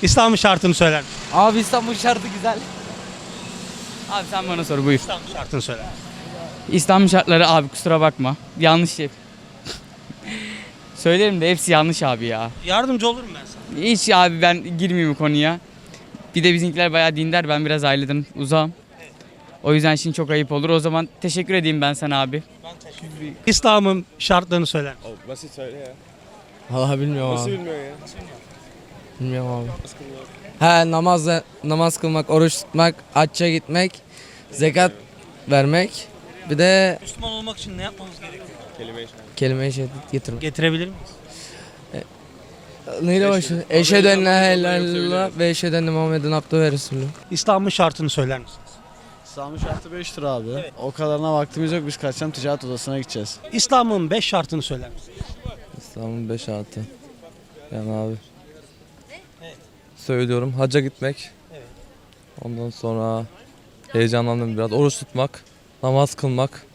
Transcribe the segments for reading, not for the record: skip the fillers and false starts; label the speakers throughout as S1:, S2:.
S1: İslam'ın şartını söyler misin?
S2: Abi İstanbul şartı güzel. Abi sen bana sor buyur.
S1: İslam'ın şartını söyler.
S2: İstanbul şartları abi kusura bakma. Yanlış şey. Söylerim de hepsi yanlış abi ya.
S1: Yardımcı olurum ben sana.
S2: Hiç abi ben girmeyeyim bu konuya. Bir de bizimkiler bayağı dindar. Ben biraz aileden uzağım. O yüzden şimdi çok ayıp olur. O zaman teşekkür edeyim ben sana abi.
S1: İslam'ın şartlarını söyler misin?
S3: Basit söyle ya.
S4: Vallahi bilmiyorum
S3: Nasıl
S4: abi.
S3: bilmiyorsun ya?
S4: Bilmiyorum abi. He namaz kılmak, oruç tutmak, hacca gitmek, zekat vermek. Bir de
S1: Müslüman olmak için ne yapmamız gerekiyor?
S4: kelime-i şehadet getirmek.
S1: Getirebilir miyiz?
S4: Neyle başlıyor? Eşhedü en la ilahe illallah ve eşhedü enne Muhammeden abdühü ve resulü.
S1: İslam'ın şartını söyler misiniz?
S5: İslam'ın şartı 5 lira abi. O kadarına vaktimiz yok. Biz kaçacağım ticaret odasına gideceğiz.
S1: İslam'ın 5 şartını söyler misiniz?
S4: İslam'ın 5 artı. Yani abi. Söylüyorum hacca gitmek. Ondan sonra heyecanlandım biraz. Oruç tutmak, namaz kılmak.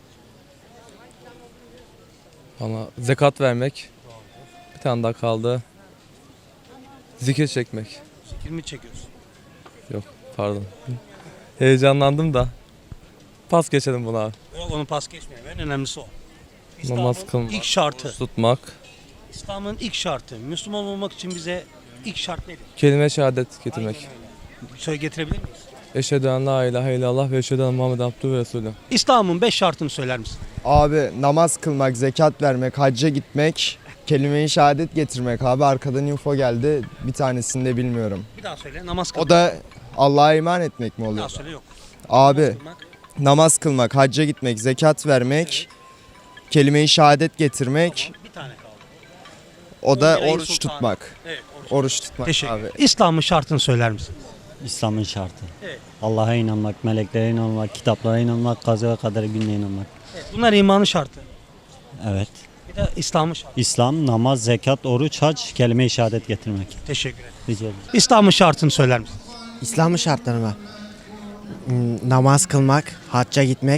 S4: Ama zekat vermek. Bir tane daha kaldı. Zikir çekmek.
S1: Zikir mi çekiyorsun?
S4: Yok pardon. Heyecanlandım da. Pas geçelim buna abi.
S1: Yok onu pas geçmeyelim. En önemlisi o.
S4: Namaz
S1: İslam'ın
S4: kılmak,
S1: ilk şartı.
S4: oruç tutmak,
S1: İslam'ın ilk şartı. Müslüman olmak için bize ilk şart nedir?
S4: kelime şehadet getirmek.
S1: Söyle getirebilir miyiz?
S4: Eşhedü en la ilahe illallah ve eşhedü enne Muhammeden abdühü ve resulü.
S1: İslam'ın 5 şartını söyler misin?
S6: Abi namaz kılmak, zekat vermek, hacca gitmek, kelime-i şehadet getirmek. Abi arkadan info geldi. Bir tanesini de bilmiyorum.
S1: Bir daha söyle. Namaz kılmak.
S6: O da Allah'a iman etmek mi
S1: Bir daha
S6: oluyor?
S1: söyle yok.
S6: Abi
S1: Kılmak.
S6: namaz kılmak, hacca gitmek, zekat vermek, kelime-i şehadet getirmek.
S1: Bir tane kaldı.
S6: O da
S1: 11 ayın
S6: oruç
S1: sultanı.
S6: tutmak.
S1: Evet.
S6: Oruç tutmak
S1: Teşekkür
S6: abi.
S1: ederim. İslam'ın şartını söyler misin?
S7: İslam'ın şartı.
S1: Evet.
S7: Allah'a inanmak, meleklere inanmak, kitaplara inanmak, kaza ve kader gününe inanmak.
S1: Evet. Bunlar imanın şartı.
S7: Evet.
S1: Bir de İslam'ın şartı.
S7: İslam, namaz, zekat, oruç, hac, kelime-i şehadet getirmek.
S1: Teşekkür ederim.
S7: Rica ederim.
S1: İslam'ın şartını söyler misin?
S8: İslam'ın şartları mı? Namaz kılmak, hacca gitmek,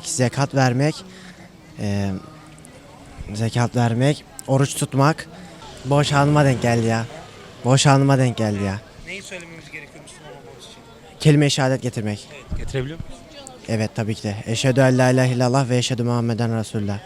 S8: zekat vermek, oruç tutmak. Boş anıma denk geldi ya.
S1: Neyi söylememiz gerekiyor Müslüman olmamız için?
S8: Kelime-i şehadet getirmek.
S1: Evet. Getirebiliyor muyuz?
S8: Evet tabii ki de. Eşhedü en la ilahe illallah ve eşhedü Muhammeden Resulullah.